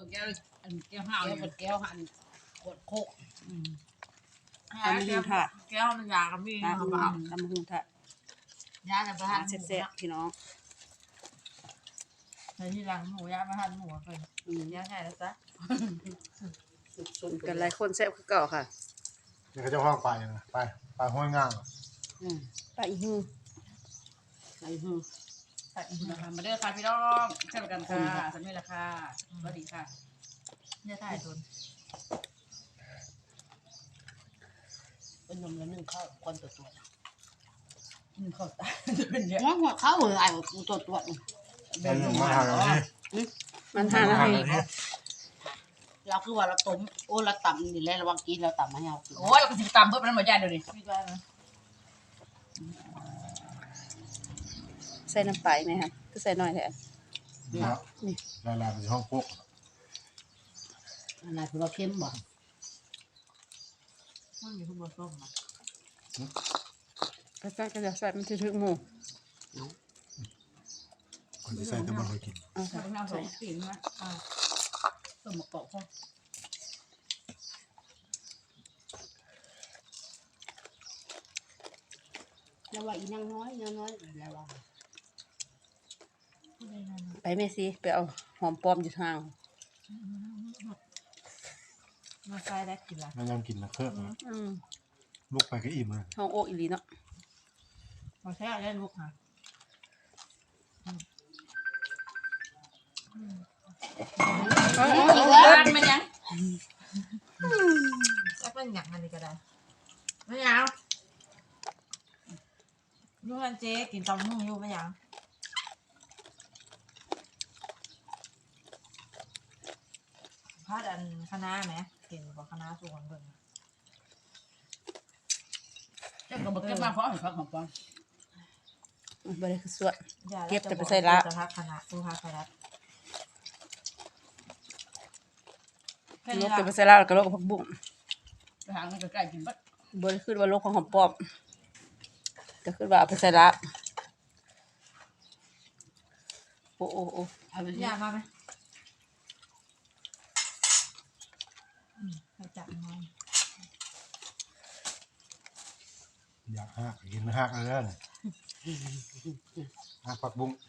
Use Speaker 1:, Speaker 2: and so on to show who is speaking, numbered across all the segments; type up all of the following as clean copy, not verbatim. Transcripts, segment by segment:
Speaker 1: แก้วแก้วห่าวแก้วหั่นกดโคก
Speaker 2: ตำหูถาด
Speaker 3: แก้วมันยากับมีเขาเปล่า
Speaker 2: ตำหูถาด
Speaker 3: ยาแต่ประทาน
Speaker 2: แซ่บพี่น้อง
Speaker 3: ในที่หลังหมูยาประทานหมูเลยยาไงแล้วจ๊ะ
Speaker 2: กันหลายคนแซ่บคือเก่าค่ะ
Speaker 4: เดี๋ยวเขาจะห้องไปนะไปห้วยง่าง
Speaker 2: ไปอีหู
Speaker 1: ใส่หือใส่หือนะคะมาเด้อค่ะพี่น้องเช่นกันค่ะสำเร็จแล้วค่ะสวัสดีค่ะ
Speaker 3: เนี่ยถ่ายทุน
Speaker 1: เป็นนมแล้วนึ่งข้าวคนตัวนึ่งข้าวตาจะเป็นเยอะ
Speaker 5: หัวเข้าเลยไอ้ตัว
Speaker 4: มันมาหาเราที่
Speaker 2: มันหานาที
Speaker 5: เราคือว่าเราต้มโอ้เราต่ำนี่แหละระวังกินเราต่ำให้เรากิน
Speaker 1: โอ้ยเราก็สิตามเพิ่มมันหมดยาเดี๋ยวนี้
Speaker 3: ไม่ได้นะ
Speaker 2: ใส่น้ำปลาไหมคะก็ใส่หน่อยแทน
Speaker 4: นี่ครับลายเป็นห้องพวก
Speaker 5: อะไรคือเราเข้มบ่
Speaker 3: มันมีทุกบะส้มนะ
Speaker 2: ก็จะใส่มันถึงหมู
Speaker 4: คนที่ใส่ตะบนไปกิน
Speaker 2: เอา
Speaker 1: ใส่
Speaker 2: ใส่
Speaker 1: น้ำสองสีนะต้มมะกอกพ่อ
Speaker 5: แล้วว่าอีนางน้อยแล้วว่า
Speaker 2: ไปเมซี่ไปเอาหอมปลอมอยู่ทาง
Speaker 3: มาใส่ได้กินละ
Speaker 4: แล้วยังกินนะเครื่องลูกไปก็อิ่มเลย
Speaker 2: ห้องโอ๊กอีลีเนาะ
Speaker 3: มาแช่ได้ลูกค่ะ
Speaker 1: บ้านมันยัง
Speaker 3: แล้วเป็นอย่างนั้นก็ได้ไม่ยาวนู่นเจ๊กินตำหุ่งอยู่ไม่ยาวพาดอันคณะไหมเห็นบอกคณะส่วนเบิ่ง
Speaker 1: เจ้าก็บอกเก็บมาเพราะเห็นพักของปอน
Speaker 2: บริคือสวด
Speaker 3: จะพักคณะดูพักคณะ
Speaker 2: โลกเป็นเซล่าแล้วก็โลกผักบุ้ง
Speaker 1: ไปหาเงินใกล้กินบัด
Speaker 2: บริคือว่าโลกของหอมปลอมก็คือว่าเอาไปใส่ละโอ้
Speaker 1: เอาไป
Speaker 3: อยากมาไหมไปจับมัน
Speaker 4: อยากหักกินหักเลยนะหักผักบุ้ง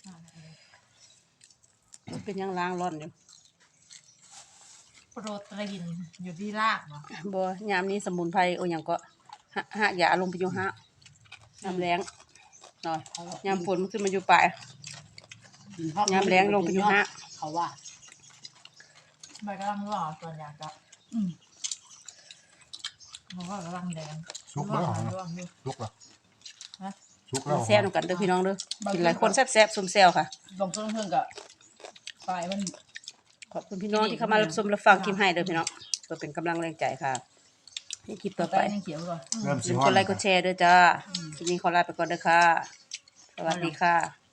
Speaker 2: เป็นยังล้างร้อนอยู่
Speaker 3: โปรตีนอยู่ที่รากเนาะ
Speaker 2: บ่ยามนี้สมุนไพรโอ้ยังก็หะอย่าลงไปอยู่หะยามแรงหน่อยยามฝนมันขึ้นมาอยู่ปลายยามแรงลงไปอยู่หะ
Speaker 5: เขาว่า
Speaker 3: ใบกำลังร่อส่วนอยากจะมันก็กำลังแดง
Speaker 4: ซุกแล้วเหรอ
Speaker 3: ร่วงอยู่
Speaker 4: ซุกแล้ว
Speaker 3: ฮะ
Speaker 4: ซุกแล้ว
Speaker 2: แซ่บนำกันเด้อพี่น้องเด้อกินหลายคนแซ่บๆซุ่มแซวค่ะ
Speaker 1: ลงต้นเพื่อนกับปลายมัน
Speaker 2: ขอบคุณพี่น้องที่เข้ามารับชมรับฟังคลิปให้เด้อพี่น้องเพื่อเป็นกำลังแรงใจค่ะในคลิปต่อไป
Speaker 1: ยังเขียวก่อน
Speaker 4: เริ่ม
Speaker 2: อย่า
Speaker 4: สิ
Speaker 2: ลืม
Speaker 4: ฮอก น
Speaker 2: ดไลค์กดแชร์ด้วยจ้าคลิปนี้ขอลาไปก่อนเด้อค่ะสวัสดีค่ะ